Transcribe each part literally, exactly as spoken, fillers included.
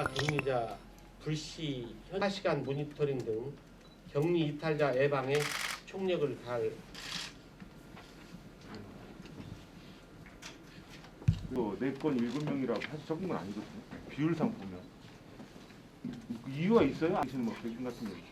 격리자, 격리자 불시, 현사 시간 모니터링 등 격리 이탈자 예방에 총력을 다할 네 건 일곱 명이라고 사실 적은 건 아니거든요. 비율상 보면 그 이유가 있어요? 아니면 뭐 백신 같은 거?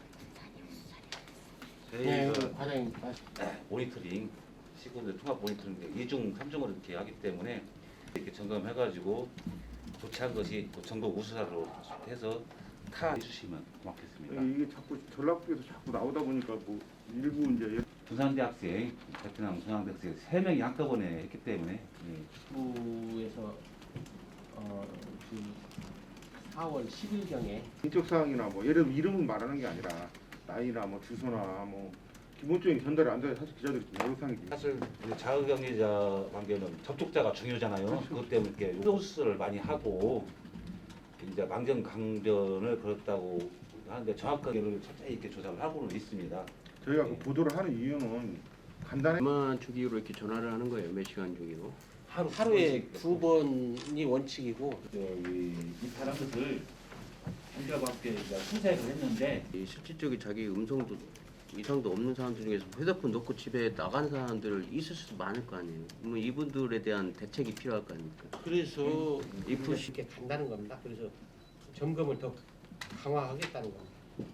네, 저희가 과장님 모니터링 시군들 통합 모니터링 이중 삼중으로 이렇게 하기 때문에 이렇게 점검해가지고 조치한 것이 또 전국 우수사로 해서 타 해주시면 고맙겠습니다. 이게 자꾸 전라북에서 자꾸 나오다 보니까 뭐 일부 이제 부산대학생, 베트남 중앙대학생 세 명이 한꺼번에 했기 때문에 예. 부에서 어, 그 사월 십일경에 인적 사항이나 뭐 예를 들어 이름은 말하는 게 아니라 나이나 뭐 주소나 뭐 기본적인 전달이 안 돼. 사실 기자들이 좀 어려상이지. 사실 이제 자가격리자 관계는 접촉자가 중요하잖아요. 그렇죠. 그것 때문에 이렇게 호스를 많이 하고 이제 망정 강변을 걸었다고 하는데 정확하게를 철저히 이렇게 조사를 하고는 있습니다. 저희가 그 보도를 하는 이유는 간단히 얼마 주기로 이렇게 전화를 하는 거예요? 몇 시간 주기로? 하루 하루에 두 번이 원칙이고 저기 이탈한 것을 한결밖에 수색을 했는데 이 실질적인 자기 음성도 이상도 없는 사람들 중에서 휴대폰 놓고 집에 나간 사람들 있을 수도 많을 거 아니에요. 그러면 이분들에 대한 대책이 필요할 거 아닙니까? 그래서 이 이렇게 쉽게 간다는 겁니다. 그래서 점검을 더 강화하겠다는 겁니다.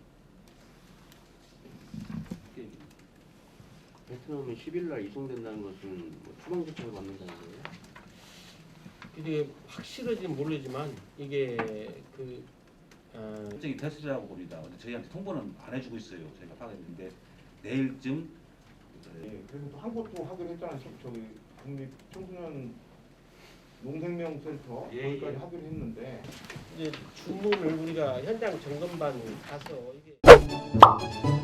베트남은 십 일 날 이송된다는 것은 뭐 추방 조치를 받는다는 거예요? 이게 확실하지는 모르지만 이게 그 어, 결정이 됐으라고 봅니다. 근데 저희한테 통보는 안 해주고 있어요. 저희가 파악했는데 내일쯤 예, 그래서 또 한 곳도 하기로 했잖아요. 저기 국립 청소년 농생명센터 예, 거기까지 예. 하기로 했는데 이제 주문을 우리가 현장 점검반 가서 이게